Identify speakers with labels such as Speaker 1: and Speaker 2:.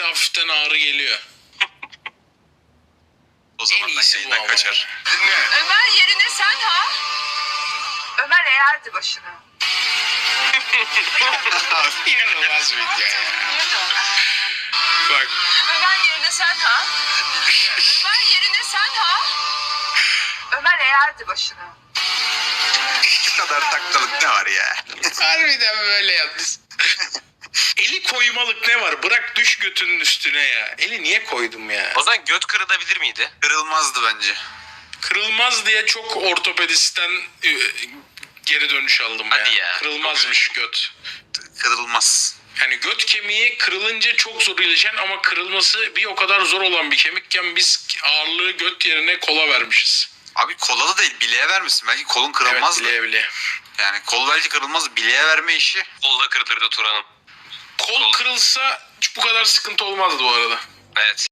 Speaker 1: nefeste hafiften ağrı geliyor.
Speaker 2: O zaman ben
Speaker 1: iyisi bu
Speaker 2: yayından
Speaker 1: ama
Speaker 2: kaçar.
Speaker 1: Dinle.
Speaker 3: Ömer yerine sen ha? Ömer eğerdi başını.
Speaker 1: İnanılmaz video ya. Bak.
Speaker 3: Ömer yerine sen ha? Ömer yerine sen ha? Ömer eğerdi başını.
Speaker 2: Şu kadar taklalık ne var ya?
Speaker 1: Harbiden böyle yalnız. Eli koymalık ne var? Bırak düş götünün üstüne ya. Eli niye koydum ya?
Speaker 4: O zaman göt kırılabilir miydi?
Speaker 2: Kırılmazdı bence.
Speaker 1: Kırılmaz diye çok ortopedistten geri dönüş aldım
Speaker 4: Hadi ya.
Speaker 1: Kırılmazmış göt.
Speaker 2: Kırılmaz.
Speaker 1: Yani göt kemiği kırılınca çok zor iyileşen ama kırılması bir o kadar zor olan bir kemikken biz ağırlığı göt yerine kola vermişiz.
Speaker 2: Abi kola da değil, bileğe vermişsin. Belki kolun kırılmazdı.
Speaker 1: Evet, bile.
Speaker 2: Yani kol belki kırılmaz, bileğe verme işi.
Speaker 4: Kolda kırılırdı Turan'ım.
Speaker 1: Kol kırılsa hiç bu kadar sıkıntı olmazdı bu arada.
Speaker 4: Evet.